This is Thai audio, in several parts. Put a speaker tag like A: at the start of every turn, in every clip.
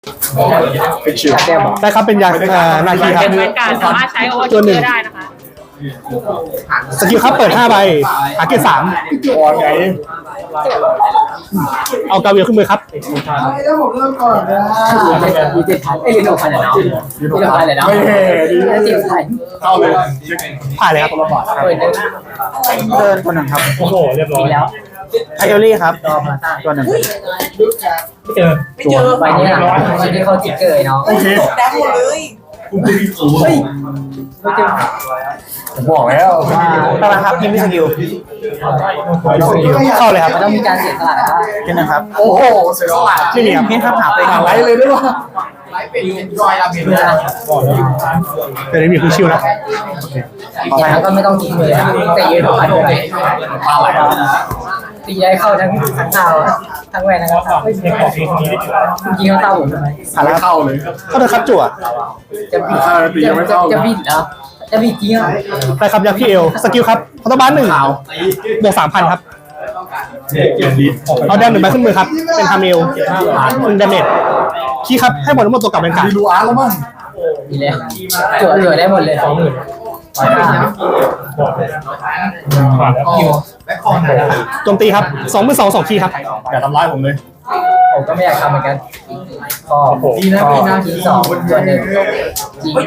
A: เป็นชิว
B: ได้ครับเป็นยานาคีครับ
C: เป็นแวนการ์ดสามารถใช้โอเวอร์
B: ตัวหนึ่ง
C: ได้นะคะ
B: สกิลครับเปิด5ใบหาเกรด3
A: อ่อนไง
B: เอากาเวียขึ้นมือครับ
D: แล้วผมเริ่มก่อนนะมี7,000เรียน6,000เหรอเรียน6,000เลยเนาะ
A: ไม่แห่ดี
D: 7,000
A: เข้าเลย
B: ผ่านเลยครับ
D: เปิดเลย
E: เดินคนหนึ่งครับ
B: โอ้โหเรียบร้อย
D: แล้ว
E: ไอเอลลี่ครับตัวหนึ่ง
D: ใบนี้นะใบนี้เขาจิกเกอร์เนาะ
A: โอเค
D: ได้หมดเลยเฮ้ยไม่เจอ
A: ผมบอกแล้ว
E: ตารางครับยิงไม่สกิล
B: เข้าเลยครับ
D: มันต้องมีการเสียสละนะ
E: เป็นหนึ่งครับ
A: โอ้โหเสียสละ
B: ไม่มีครับ
E: เพี้ยนครับหาไป
A: หาไลท์เลยด้วยวะ
B: แต่ไม่มีคือชิวนะ
D: อย่างนั้นก็ไม่ต้องทิ้งเลยแต่ยืน6,000ไป
A: ปลาไหล
D: ตีได้เข้าทั้งเท้าทั้งแหวนทั้งเท้ายิงเข้าเท้าผมทำไม
A: หาแล้วเข้าเลย
B: เข้าเลยครับจั่ว
D: จะบิดจะบิดเหรอจะบิดจริงอ่ะ
B: ได้ครับยาพี่เอลสกิลครับคอร์ตบ้าน1บวก 3,000 ครับ
A: เกียรติ
B: เอาแดม1ใบขึ้นมือครับเป็นฮาเมล1ดาเมจคีย์ครับให้หมดทั้งหมดตัวกลับเป็นการ
A: ดีดูอาร์แล้วมั้ง
D: ดีเลยจั่วได้หมดเลย20,000
B: โจมตีครับ22,000 2คีย์ครับ
A: อย่าทำร้ายผมเลย
D: ผมก็ไม่อยากทำเหมือนกันก็ที2ตัวหนึ่งจริง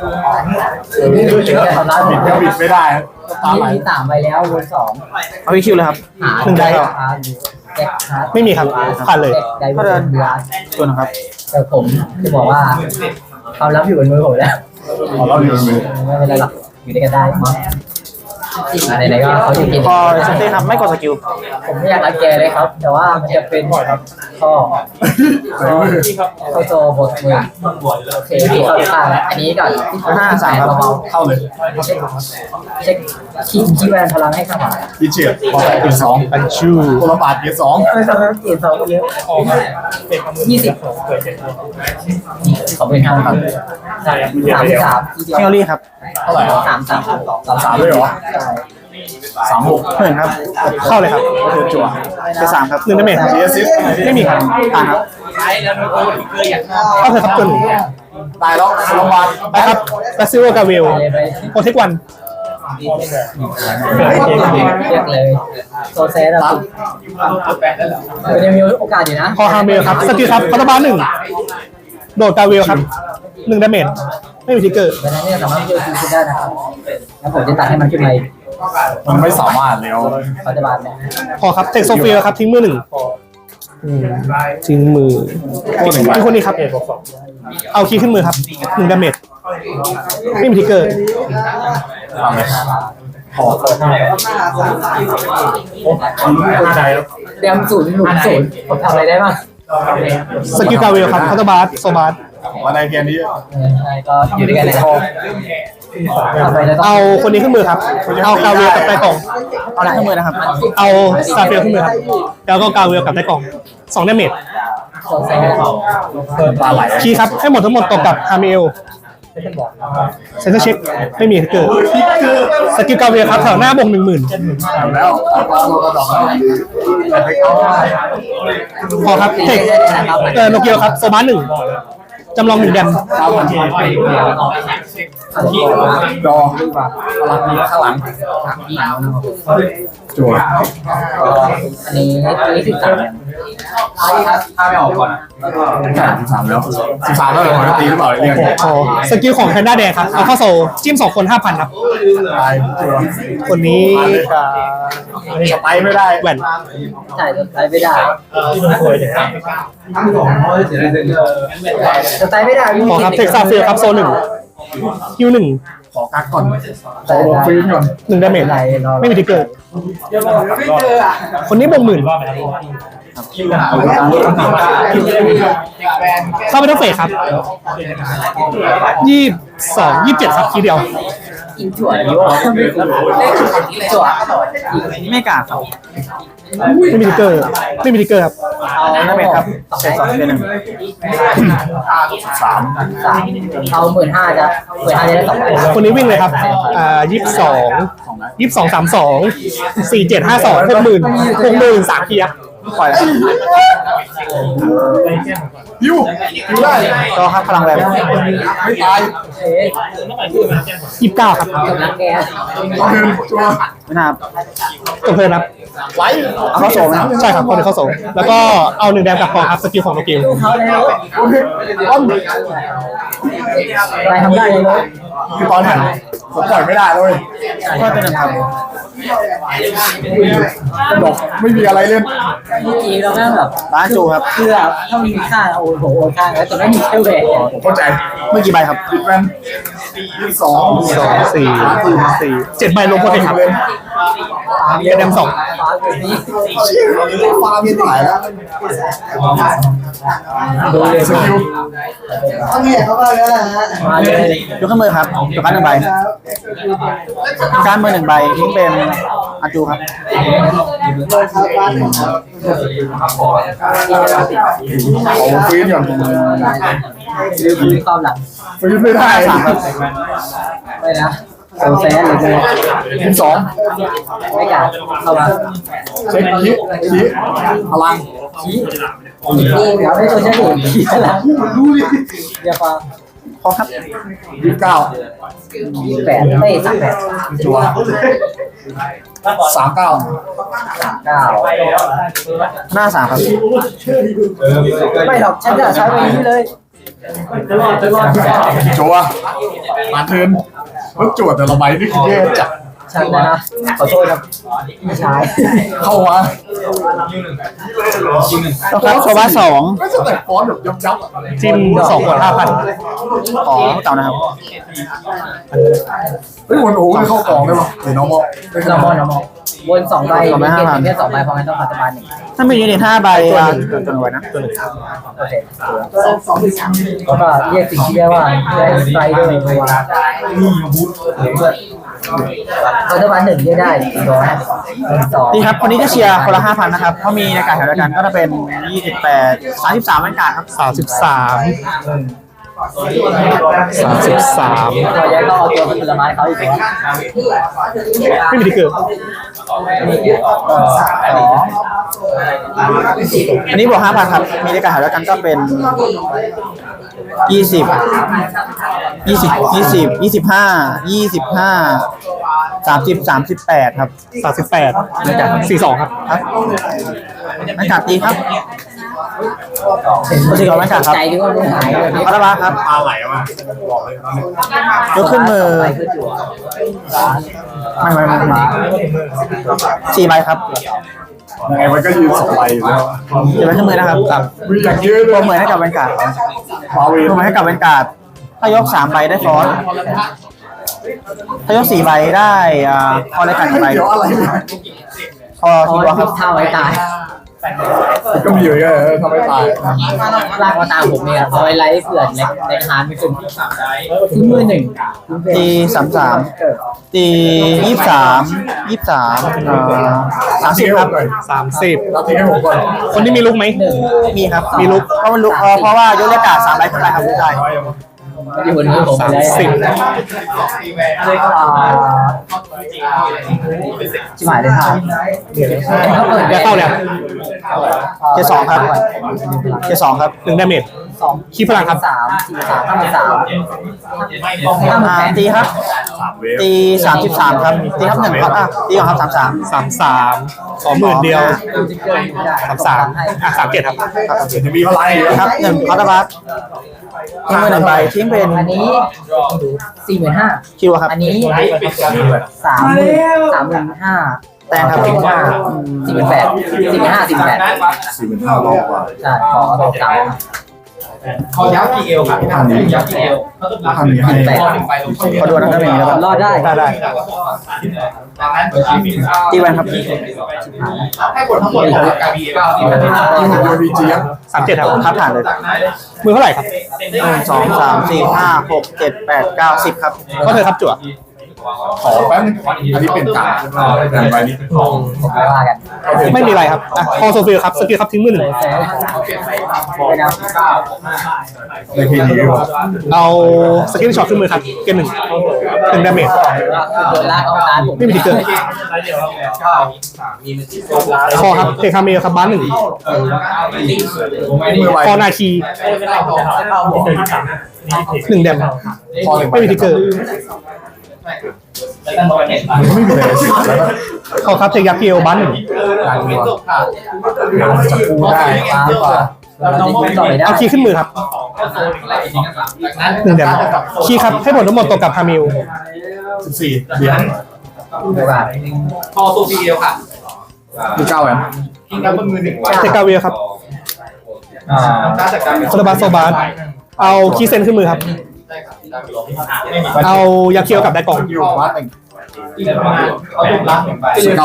D: จะทำร้ายผม
A: ยังบิดไม่ได้ปลาไหล
D: มี3ไปแล้ววน2
E: เอาวิคิวเลยครับ
B: 1ได้ครับ
D: แจ็คฮาร์ด
B: ไม่มีครับผ่านเลย
D: ได้เดินเดือด
E: ตัวหนึงครับ
D: แต่ผมจะบอกว่าความลับอยู่บนมือผมแล้ว
A: ขอเล่าอยู่เลย
D: ไม่เป็นไรหรอกอยู่ด้วยกันได้ไหนๆก็เขาจะกิน
E: พอเซนเต้ครับไม่กดสกิล
D: ผมไม่อยากรังแกเลยครับ แต่ว่ามันจะเป็นข้อเข้าโจบทมือโอเคที่เข้าข้างแล้วอันนี้ก่อนเบา
A: เข้าเลย
D: ๆเช็คคีย์แวนพลังให้ข้างหลัง
A: ดีเฉียดพอเกียรติ2
B: อันชู
A: คนละบาทเกียรติ2
D: ไม่ทำให้เกียรติ2เยอะ20ขอเป็น5ครับ33
E: เอลลี่ครับ
A: เท่าไหร่อ่ะ
D: 33
A: เลยเหรอ36
E: เพื่อนครับ
B: เข้าเลยครับ
E: จั่วเป็น3ครับ
B: 1ดาเมจ
A: เสียซิส
B: ไม่มีครับ
E: ผ่านครับ
B: เข้าเลยครับตัวหนึ่ง
A: ตายแล้วโรงพยาบาล
B: ไปครับแบซิโอกาเวลโปรเทควัน
D: เรียกเลยโซเซสอะคือยังมีโอกาสอยู่นะ
B: พอฮาเมลครับสกิลครับคอร์ตบ้าน1โดดกาเวลครับ1ดาเมจไม่มีทิกเกอร์
D: ดังนั้นเนี่ยสามารถเลือกคิวได้นะครับแล้วผมจะตัดให้มันขึ้นมา
A: มันไม่สามารถแล้ว
D: ปัจจุบันเนี่ย
B: พอครับเทคโซเฟียครับทิ้งมือ1ทิ้งมือที่คนนี้ครับ เอาคีย์ขึ้นมือครับ1ดาเมจไม่มีทิกเกอร์
A: ทำเลย
D: เตรียม0 หนุน0ผมทำอะไรได้บ้าง
B: สกิลกาเวลครับคอร์ตบาสโซบาส
A: วันในเกมนี้
D: ใช่ก็อยู่ด้วยกันเลยนะครับทำไปแล้วต้อง
B: เอาคนนี้ขึ้นมือครับเอากาเวลกับไต้กล่อง
E: เอาอะไรขึ้นมือนะครับ
B: เอาซาเฟียขึ้นมือครับแล้วก็กาเวลกับไต้กล่อง2ดาเมจ
D: โซเซส
A: ปลาไหล
B: คีย์ครับให้หมดทั้งหมดตกกับฮาเมลเซนเตอร์เช็คไม่มีทิกเกอร์สกิลกาเวลครับแถวหน้าบง10,000
A: แล้วปลาโลกระดอกแล้ว
B: พอครับเทคโนเกียวครับโซบาส1จำลอง1แดม
A: ดอพลังมีข้างหลังจั่ว
D: อันนี้13
A: ถ้าไม่ออกก่อน13แล้ว13แล้วเหรอผมจะตีหรือเปล่าเรียก
B: พอสกิลของแพนด้าแดงครับเอาเข้าโซจิ้ม2 คน 5,000 ครับ
A: ตายจั่ว
B: คนนี้กับ
A: สไปไม่ได้
B: แหวน
D: ใช่ใช้ไม่ได้จะใช้ไม่ได้
B: พอครับเทคซาเฟียครับโซ1ฮิว1
A: ขอกักก่อนขอลงฟิล์มก่อน
B: 1ดาเมจไม่มีทิกเกอร์คนนี้บง10,000เข้าไปทั้งเฟสครับ22 27ครับทีเดียว
D: กินถั่วดีวะถั่ว
E: ไม่กล้าครับ
B: ไม่มีทิกเกอร์ครับ
D: เอา
E: นั่นเป็นครับใช้2เป็น1
A: 3
D: เอา15,000จะ15,000จะได้2คน
B: คนนี้วิ่งเลยครับ22 32 47 52 60,000 3 ทีครับ
E: ปล่อยแล้ว
A: ยูได้
E: ก็ครับพลังแรง
A: ไม่ตาย
B: 29ครับ
D: กำลังแก
A: ต้องเดินจัว
E: ไม่น่าครับ
B: จบเพลินครับ
A: ไว้
E: เอาเข้าโซ่ไหมครับ
B: ใช่ครับคนเข้าส่งแล้วก็เอา1แดมกับพอครับสกิลของโนกิล
D: เขาแล้ว
A: โอเคป้อม
D: ไปทำได้เลย
A: คือตอนหันผมปล่อยไม่ได้เลย
E: ก็เป็นหนึ่งครับ
A: บอกไม่มีอะไรเล่น
D: เมื่อกี้เราแม่งแบบ
E: ร้านจูครับ
D: คือแบบถ้ามีค่าโอนโอนค่าแล้วแต่ไม่มีเทลเวท
A: ผมเข้าใจ
E: เมื่อกี่ใบครับ
A: ปิดแว่นสอง
B: 7 ใบลงโปรเทคครับ
D: เยอะดำสองฟ้าแบบนี้
A: ชื่อฟาร์มยังถ่ายแล้ว
D: ดูเลย
A: สกิล
D: มาเลย
E: ยกขึ้นมือครับยกการ์ด1 ใบการมือ1 ใบทิ้งเป็นอาจูครับ
A: ของฟื้นก่อน
D: มีความหลัง
A: ฟื้นไม่ได้
E: 3 ครับ
D: ไม่นะโซแซนเลย
A: ทีมสอง
D: ไม่กล้าเข้ามา
A: เช็คชี้พลัง
D: ชี้นี่เดี๋ยวไม่ตัวเช่นอื่นชี้แล้วดูดิเดี๋ยวฟัง
E: พอครับ
A: 29
D: 28ไม่38
A: จัว39
E: หน้า 3 ครับ
D: ไม่หรอกฉันจะใช้ไปนี้เลย
A: จัวมาเทิร์นรถจวดแต่ละใบนี่คือแย่จัด
D: ฉันนะขอโทษครับพี่ชาย
A: เข้ามา
E: ก็ครับโซบ้า2
A: ไม่ใช่แต่ฟอนต์แบบยับๆอะ
B: จิ้ม2 5,000
E: ขอเก่านะครับ
A: เฮ้ยวันโอ้โหเข้ากล่องได้ปะหรือน้องบอกไม่
D: เรา
A: เข้าม
D: องเรามองวน2ใบมีเกณฑ์แค่2ใบเพราะงั้นต้องปัจจุบันหนึ่ง
E: ถ้ามียูนิต5 ใบจนไว้นะ
D: โอเคแล้วก็เรียกสิ่งที่เรียกว่าไฟเดอร์ตัวปัจจุบันหนึ่งเรียกได้2
E: นี่ครับคนนี้จะเชียร์คนละ 5,000 นะครับเพราะมีในการแถวเดียวกันก็จะเป็น 28 33บรรยากาศครับ
B: 33
D: ตัวใหญ่ก็เอาตัวผลไม้เขาอีกตัว
B: ไม่มีดิเกอร์
E: อันนี้บวก 5,000 ครับ มีในการแถวเดียวกันก็เป็น 20 38 ครับ
B: 38นะครับ42 ครับ
E: ครับบรรยากาศดีครับคนที่ก่อนบรรยากาศครับ
D: ใจที่ว่ามันหายเลย
E: พัตบาครับ
A: ปลาไหลมาบอกเลย
E: ยกขึ้นมือ ไม่4 ใบครับ
A: ยังไงมันก็ยืน2ใบอยู่แล้ว
E: 4 ใบขึ้นมือนะครับกับ
A: มีอย่างเยอะเล
E: ตัวย เหมือนให้กับบรรยากาศ
A: ฟาเว
E: ตั
A: น
E: วเหมือนให้กับบรรยากาศถ้ายก3 ใบได้ฟอนต์ถ้ายก4 ใบได้พอรายการกี่ใบ
A: เดี๋ยวอะไรเนี่ย
E: พอ
D: เอา
E: ทีวอครับ
D: ท่าไว้ตาย
A: ก็มีอยู่เยอะทำไมตาย
D: ลากมาตามผมเนี่ยเอาไว้ไลฟ์เผื่อในฮาร์ดไม่ขึ้นทิ้งมือหนึ่ง
E: ตี33ตี30ครับ
B: 30
A: เราทิ้งให้ผมก่อน
B: คนที่มีลุกไหม
E: มีครับมีลุกเพราะมันลุกเพราะว่ายกเลือกกาด3 ใบขึ้นไปครับได้
D: อยู่บนมือผมไปแล้วชิบหายเลยครับ
B: เดี๋ยวเข้าแล้ว
E: เกียร์2ครับเกียร์2ครับ
B: 1 ดาเมจ ขี้พลังครับ
E: ตีครับตี33ครับตีครับ1ครับตีก่อนครับ33
B: 20,000เดียว 3337ครับ
A: จะมีพลังอยู่
E: ครับ1คอร์ตบัสทิ้งมือ1 ใบทิ้งเป็น
D: อันนี้45,000
E: คิวครับ
D: อันนี้35,000
E: แตงครับ
A: 45,000 รอบกว่า
D: ใช่ขอตัวเก่า
C: เขายับกี่เอวครับยับกี่เอว
A: พันนี้ให้
E: ขอดูนะครับอย่างนี้แล้วกัน
D: รอดได้
B: ได้
C: ดังนั้น
E: ตีแวนครับ
C: ให้กดทั้งหมดของการบีเอลที่มัน
A: ที่ผมโดนบีจีครับ
B: 37ครับ
E: ครับผ่านเลย
B: มือเท่าไหร่ครับ
E: 1 2 3 4 5 6 7 8 9 10ครับ
B: ก็เธอครับจั่ว
A: ขอแป๊บนึงอันนี้เป็นการใบนี้
D: ผมไม่ว่ากัน
B: ไม่มีอะไรครับอ่ะคอโซฟิลครับสกิลครับทิ้งมือหนึ่ง
D: แฟร์ไปนะ
A: ในทีนี้
B: เอาสกิลช็อตขึ้นมือครับเกม1 1 ดาเมจ
D: โดนลากออกตาผม
B: ไม่มีทิกเกอร์คอครับเทคาเมลครับบ้าน1คอนาคี1 แดมไม่มีทิกเกอร์
A: ไม่มีเลยแล้วก็
B: คอครับเทคยักษ์เกลบ้าน1
A: การเมืองจะพูดได้
D: ดีกว่าเราต่อไม่ได้
B: เอาคีย์ขึ้นมือครับ1 แดมคีย์ครับให้ผลทั้งหมดตกกับฮามิล
A: 14เหรียญ
D: ไม่ว่า
C: พอตัวพีเอลค่ะ
A: คือ9แหวน
C: ทิ้งกันบนมือหนึ่งไว้
B: เทคาเวลครับ
C: การจัดการ
B: โซลาบาโซบาสเอาคีย์เซนขึ้นมือครับเอายาเคียวกับไดกล่อง
A: อยู่บ้านหนึ่ง
C: เขาถูกล้างหนึ่งใบ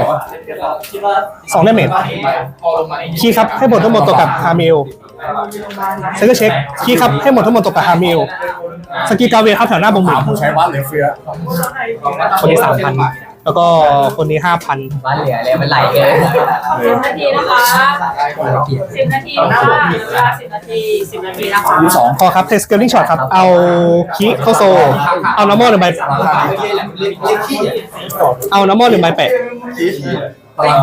B: 2 ดาเมจ
C: พอลงมา
B: คีย์ครับให้ผลทั้งหมดตกกับฮามิลเซอร์เช็คคีย์ครับให้หมดทั้งหมดตกกับฮามิลสกีกาเวลครับแถวหน้าบงห
A: ถา
B: มื่
A: ม
B: น
A: ผู้ใช้บ้านเหลือเฟือ
B: คนนี้ 3,000 แล้วก็คนนี้ 5,000
D: บ้านเหลือเลยมันไหลเกิน
F: 10 นาทีนะคะ10 นาทีค่ะเวลา10 นาที 10 นาทีนะคะ
A: ที่สอง
B: พอครับเทสเกลลิ่งช็อตครับ เอาคีย์เข้าโซ เอาน้ำมอล1 ใบ เอาน้ำมอล1 ใบแปะ
D: เฮ้ย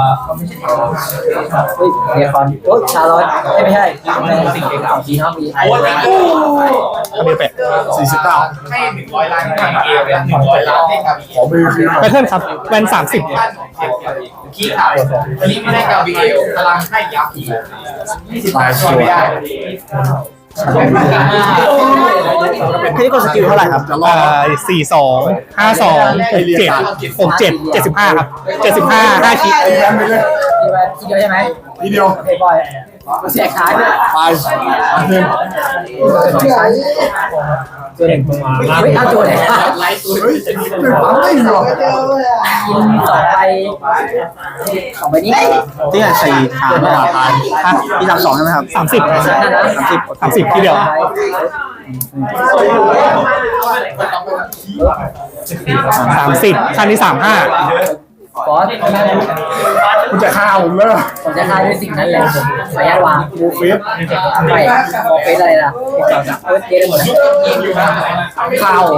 D: เรียคอนโอ้ชาลอตไม่ใช่สิ่งเก่งของจีนเขามีไอ้
B: ฮามิลแปะ
A: 49
C: ให้100 ล้านให้พีเอลและ100 ล้านให้กาบี
A: ขอมือคือ
B: แพทเทิร์นครับแวน30
C: ขี้ขาวอันนี้ไม่ได้กาบีเอลพลังให้ยักษ์อีก
A: ตายชัว
C: ไม่
A: ร์
C: ได้
E: พี่กดสกิลเท่าไหร่ครับ
A: จะรอด
B: 42 52 67 75 ครับ 75 5คีย์
A: แพ้ไปเลย
D: ที่เดียวใช่ไหม
A: ทีเดียว
D: โอเคบอยเสียขาด้วย
A: ไปหนึ่ง
D: ตัวหนึ่งไม่เอาตัวไหน
A: เฮ้ยหนึ่งปั๊มไม่หรอก
D: กิน2 ใบนี้
E: ที่ใส่ถามว่าตายที่32ใช่ไหมครับ
B: 30 30ทีเดียว 30คันนี้
D: ฟอส
A: คุณจะฆ่าผมเลย
D: ผมจะฆ่าด้วยสิ่งนั้นแหละผมขออนุญาตวาง
A: บูเฟส
D: ไม่โมเฟสอะไรล่ะเกมหมด
A: ข้าว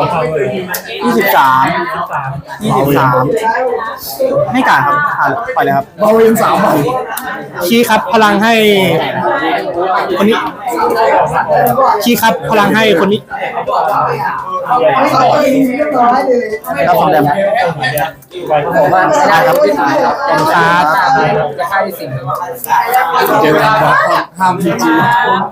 E: 23ให้การครับปล่อยเลยครับ
A: บาเวน3 ใบ
B: 35 คีย์ครับพลังให้คนนี้ คีย์ครับพลังให้คนนี้
E: รับสองแดม
D: ผมว่าไม่ได้ครับแต่ชาร์จ
B: ครับ
D: จะฆ่าด้วยสิ่งนี้
A: เจอกันครับห้ามพีจี